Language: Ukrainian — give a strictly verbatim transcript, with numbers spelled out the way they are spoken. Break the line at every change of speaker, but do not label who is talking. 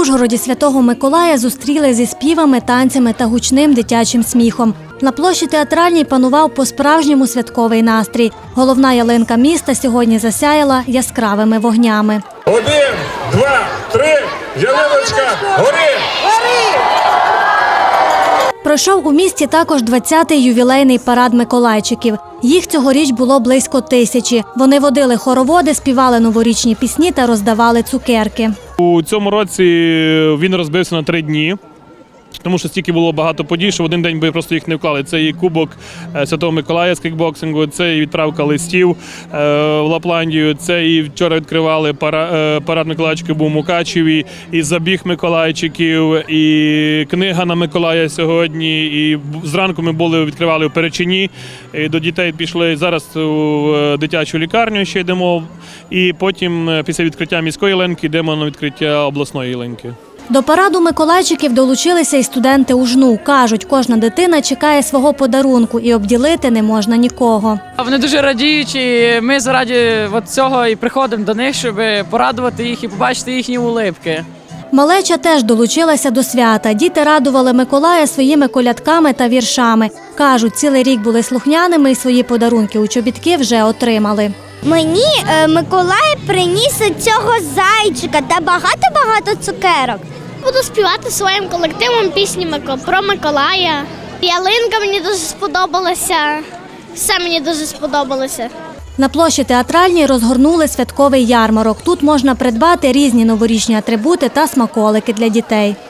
Ужгороді Святого Миколая зустріли зі співами, танцями та гучним дитячим сміхом. На площі Театральній панував по-справжньому святковий настрій. Головна ялинка міста сьогодні засяяла яскравими вогнями.
Один, два, три, ялиночка, гори!
Пройшов у місті також двадцятий ювілейний парад миколайчиків. Їх цьогоріч було близько тисячі. Вони водили хороводи, співали новорічні пісні та роздавали цукерки.
У цьому році він розбився на три дні, тому що стільки було багато подій, що в один день би просто їх не вклали. Це і Кубок Святого Миколая з кікбоксингу, це і відправка листів в Лапландію, це і вчора відкривали парад Миколайчиків був у Мукачеві, і забіг Миколайчиків, і книга на Миколая сьогодні, і зранку ми були, відкривали у Перечині, і до дітей пішли, зараз у дитячу лікарню ще йдемо, і потім після відкриття міської ялинки йдемо на відкриття обласної ялинки.
До параду миколайчиків долучилися і студенти УЖНУ. Кажуть, кожна дитина чекає свого подарунку і обділити не можна нікого.
Вони дуже радіють, і ми заради цього і приходимо до них, щоб порадувати їх і побачити їхні улипки.
Малеча теж долучилася до свята. Діти радували Миколая своїми колядками та віршами. Кажуть, цілий рік були слухняними і свої подарунки у чобітки вже отримали.
Мені е, Миколай приніс цього зайчика та багато-багато цукерок.
Буду співати своїм колективом пісні про Миколая. Ялинка мені дуже сподобалася, все мені дуже сподобалося.
На площі Театральній розгорнули святковий ярмарок. Тут можна придбати різні новорічні атрибути та смаколики для дітей.